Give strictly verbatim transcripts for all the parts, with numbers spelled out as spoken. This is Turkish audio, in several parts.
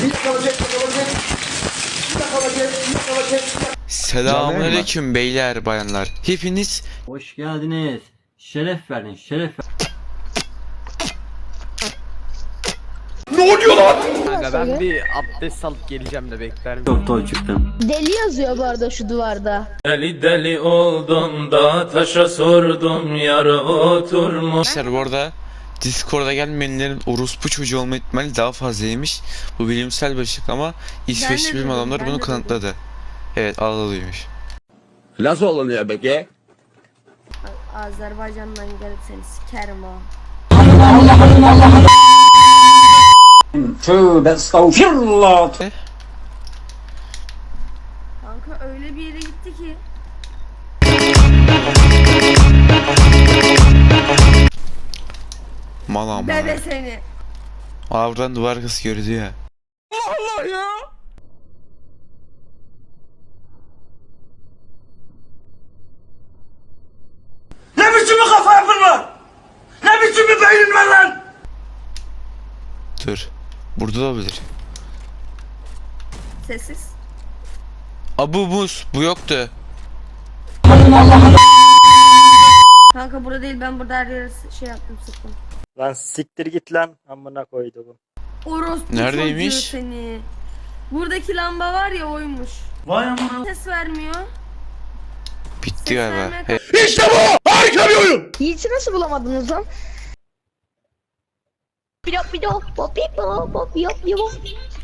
Selamünaleyküm beyler bayanlar. Hepiniz hoş geldiniz. Şeref verdin, şeref verdin. Ne oluyor lan? Kanka ben bir abdest alıp geleceğim de bekler miyim? Çok toy çıktım. Deli yazıyor bu arada şu duvarda. Deli deli oldum da taşa sordum yar oturmuş. arkadaşlar bu arada Discord'a gelmeyenlerin orospu çocuğu olma ihtimali daha fazlaymış. Bu bilimsel bir açıklama. İsveçli bilim adamları bunu kanıtladı. Evet, ağlalıymış. Nasıl olunuyor peki? Azerbaycan'dan gelip seni sikerim ha. Tövbe estağfirullah. Kanka öyle bir yere gitti ki. Mal ama. Bebe seni. Aa, buradan duvar kız gördü ya. Allah ya! Ne biçim bir kafa yapın var? Ne biçim bir beynin var lan? Dur. Burada da olabilir. Sessiz. Aa, bu buz. Bu yoktu. Kanka burada değil, ben burada her yere şey yaptım, sıktım. Lan siktir git lan amına koydu bu. Orospu Neredeymiş? çocuğu seni. Buradaki lamba var ya, oymuş. Vay amına. Ses vermiyor. Bitti galiba. vermeye He, İşte bu! Harika bir oyun! Yiğit'i nasıl bulamadınız lan? Pilot pilot pop pop pop yop yop.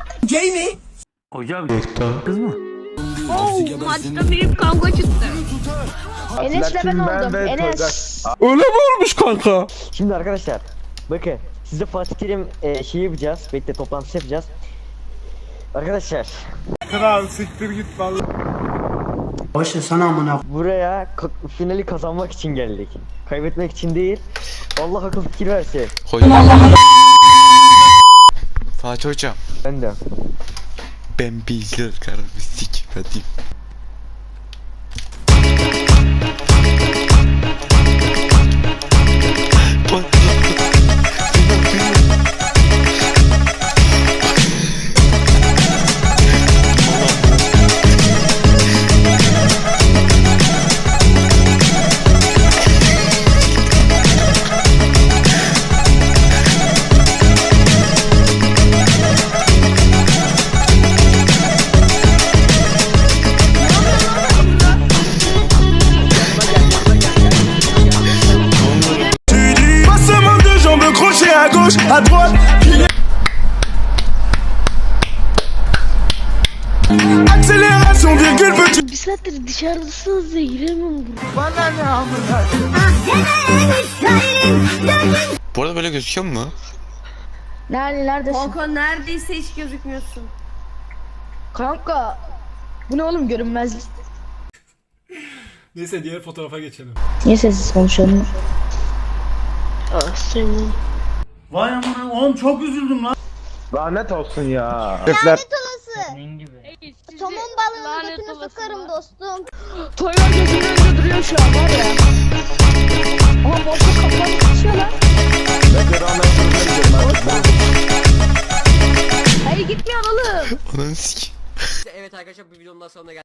Hocam kız mı? Oh, maçta büyük kavga çıktı. Enes'le ben oldum. Enes. Öyle mi olmuş kanka? Şimdi arkadaşlar bakın size Fatih Terim e, şey yapacağız. Bekle toplantısı yapacağız. Arkadaşlar Kral siktir git vallahi. Boşver sana amına. buraya ka- finali kazanmak için geldik. Kaybetmek için değil. Allah akıl fikir verse. hocam. Fatih hocam. Ben de. Ben bilgiler kararı sikmedim. Passement de jambes crochet à gauche, à droite. Accélération, virgule, petit. Bir saattir dışarıdasınız ya, giremiyorum buraya. Bana ne amına? Bu arada böyle gözüküyor mu? Nerede, neredesin? Kanka neredeyse hiç gözükmüyorsun. Kanka. Bu ne oğlum, görünmezlik. Neyse diğer fotoğrafa geçelim. Niye sessiz konuşalım? Ah senin. Vay amına, oğlum çok üzüldüm lan. Lanet olsun ya. Senin gibi. Somon balığının götünü sokarım dostum. Toylar gözümün önünde duruyor şu an var ya. Ama boşluk kafanı kaçıyor lan. Hayır gitmiyor oğlum. Ananı sik. Evet arkadaşlar, bu videonun daha sonuna geldik.